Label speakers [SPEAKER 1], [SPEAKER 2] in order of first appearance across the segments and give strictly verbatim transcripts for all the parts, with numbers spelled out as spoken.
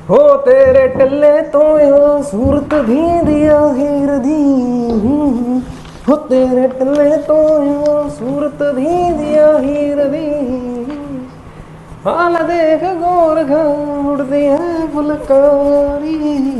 [SPEAKER 1] हो तेरे टल्ले तो यो सूरत धींदी हीर दी, हो तेरे टल्ले तो यो सूरत धींदी हीर दी, हाल देख गोर उड़दी है फुलकारी।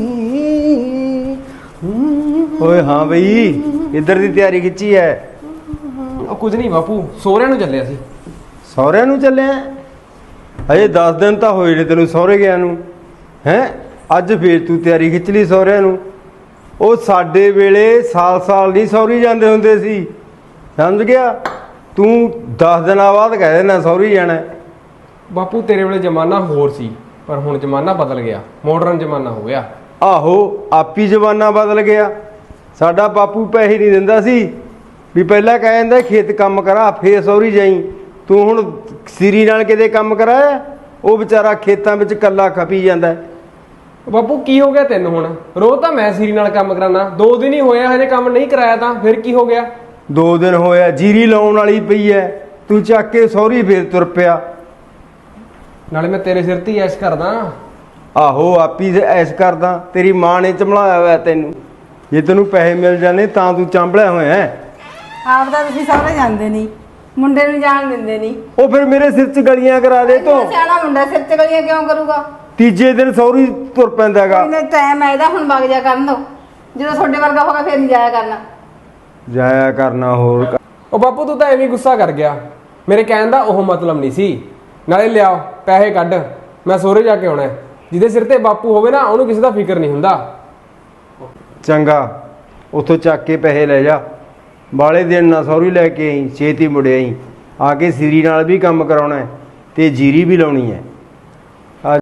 [SPEAKER 2] ਓਏ ਹਾਂ ਬਈ ਇੱਧਰ ਦੀ ਤਿਆਰੀ ਖਿੱਚੀ ਐ।
[SPEAKER 1] ਉਹ ਕੁਝ ਨਹੀਂ ਬਾਪੂ, ਸੋਹਰਿਆਂ ਨੂੰ ਚੱਲਿਆ ਸੀ।
[SPEAKER 2] ਸਹੁਰਿਆਂ ਨੂੰ ਚੱਲਿਆ? ਅਜੇ ਦਸ ਦਿਨ ਤਾਂ ਹੋਏ ਨੇ ਤੈਨੂੰ ਸਹੁਰੇ ਗਿਆ ਨੂੰ। ਹੈਂ ਅੱਜ ਫੇਰ ਤੂੰ ਤਿਆਰੀ ਖਿੱਚ ਲਈ ਸਹੁਰਿਆਂ ਨੂੰ। ਉਹ ਸਾਡੇ ਵੇਲੇ ਸਾਲ ਸਾਲ ਨਹੀਂ ਸਹੁਰੀ ਜਾਂਦੇ ਹੁੰਦੇ ਸੀ, ਸਮਝ ਗਿਆ? ਤੂੰ ਦਸ ਦਿਨਾਂ ਬਾਅਦ ਕਹਿ ਦੇਣਾ ਸਹੁਰੀ ਜਾਣਾ।
[SPEAKER 1] ਬਾਪੂ ਤੇਰੇ ਵੇਲੇ ਜ਼ਮਾਨਾ ਹੋਰ ਸੀ, ਪਰ ਹੁਣ ਜ਼ਮਾਨਾ ਬਦਲ ਗਿਆ, ਮਾਡਰਨ ਜ਼ਮਾਨਾ ਹੋ ਗਿਆ।
[SPEAKER 2] ਆਹੋ ਆਪੀ ਜ਼ਮਾਨਾ ਬਦਲ ਗਿਆ। ਸਾਡਾ ਬਾਪੂ ਪੈਸੇ ਨਹੀਂ ਦਿੰਦਾ ਸੀ ਵੀ ਪਹਿਲਾਂ ਕਹਿ ਜਾਂਦਾ ਖੇਤ ਕੰਮ ਕਰਾ ਫੇਰ ਸਹੁਰੀ ਜਾਈ। ਤੂੰ ਹੁਣ ਸਿਰੀ ਨਾਲ ਕਿਤੇ ਕੰਮ ਕਰਾਇਆ? ਉਹ ਵਿਚਾਰਾ ਖੇਤਾਂ ਵਿੱਚ ਇਕੱਲਾ ਖਪੀ ਜਾਂਦਾ।
[SPEAKER 1] ਬਾਪੂ ਕੀ ਹੋ ਗਿਆ ਤੈਨੂੰ? ਹੁਣ ਰੋਜ਼ ਤਾਂ ਮੈਂ ਸਿਰੀ ਨਾਲ ਕੰਮ ਕਰਾਨਾ, ਦੋ ਦਿਨ ਹੀ ਹੋਇਆ ਹਜੇ ਕੰਮ ਨਹੀਂ ਕਰਾਇਆ ਤਾਂ ਫਿਰ ਕੀ ਹੋ ਗਿਆ?
[SPEAKER 2] ਦੋ ਦਿਨ ਹੋਇਆ, ਜੀਰੀ ਲਾਉਣ ਵਾਲੀ ਪਈ ਐ, ਤੂੰ ਚੱਕ ਕੇ ਸਹੁਰੀ ਫੇਰ ਤੁਰ ਪਿਆ।
[SPEAKER 1] ਨਾਲੇ ਮੈਂ ਤੇਰੇ ਸਿਰ ਤੇ ਹੀ ਐਸ਼ ਕਰਦਾ।
[SPEAKER 2] ਆਹੋ ਆਪੀ ਐਸ਼ ਕਰਦਾ, ਤੇਰੀ ਮਾਂ ਨੇ ਚੰਬਲਾਇਆ ਹੋਇਆ ਤੈਨੂੰ। ਜੇ ਤੈਨੂੰ ਪੈਸੇ ਮਿਲ ਜਾਣੇ ਤਾਂ ਤੂੰ ਚਾਂਬਲਿਆ ਹੋਇਆ ਹੈ।
[SPEAKER 3] ਆਪ ਤਾਂ ਤੁਸੀਂ ਸਹੁਰੇ ਜਾਂਦੇ ਨਹੀਂ, ਮੁੰਡੇ ਨੂੰ ਜਾਣ ਦਿੰਦੇ ਨਹੀਂ।
[SPEAKER 2] ਉਹ ਫਿਰ ਮੇਰੇ ਸਿਰ 'ਚ ਗਲੀਆਂ ਕਰਾ ਦੇ ਤੂੰ।
[SPEAKER 3] ਸਿਆਣਾ ਮੁੰਡਾ ਸਿਰ 'ਚ ਗਲੀਆਂ ਕਿਉਂ ਕਰੂਗਾ?
[SPEAKER 2] ਤੀਜੇ ਦਿਨ ਸਹੁਰੀ ਤੁਰ ਪੈਂਦਾ ਹੈਗਾ।
[SPEAKER 3] ਇਹਨੇ ਟਾਈਮ ਹੈ ਇਹਦਾ, ਹੁਣ ਵਗ ਜਾ ਕਰਨ ਦੋ। ਜਦੋਂ ਤੁਹਾਡੇ ਵਰਗਾ ਹੋਗਾ ਫੇਰ ਨਹੀਂ ਜਾਇਆ ਕਰਨਾ।
[SPEAKER 2] ਜਾਇਆ ਕਰਨਾ ਹੋਰ।
[SPEAKER 1] ਉਹ ਬਾਪੂ ਤੂੰ ਤਾਂ ਐਵੇਂ ਗੁੱਸਾ ਕਰ ਗਿਆ, ਮੇਰੇ ਕਹਿਣ ਦਾ ਉਹ ਮਤਲਬ ਨਹੀਂ ਸੀ। ਨਾਲੇ ਲਿਆਓ ਪੈਸੇ ਕੱਢ, ਮੈਂ ਸਹੁਰੇ ਜਾ ਕੇ ਆਉਣਾ। ਜਿਹਦੇ ਸਿਰ ਤੇ ਬਾਪੂ ਹੋਵੇ ਨਾ ਉਹਨੂੰ ਕਿਸੇ ਦਾ ਫਿਕਰ ਨਹੀਂ ਹੁੰਦਾ।
[SPEAKER 2] ਚੰਗਾ ਉੱਥੋਂ ਚੱਕ ਕੇ ਪੈਸੇ ਲੈ ਜਾ। ਬਾਲੇ ਦਿਨ ਨਾ ਸਹੁਰੀ ਲੈ ਕੇ ਆਈ, ਛੇਤੀ ਮੁੜਿਆ ਆਈ। ਆ ਕੇ ਸਿਰੀ ਨਾਲ ਵੀ ਕੰਮ ਕਰਾਉਣਾ ਤੇ ਜੀਰੀ ਵੀ ਲਾਉਣੀ ਹੈ।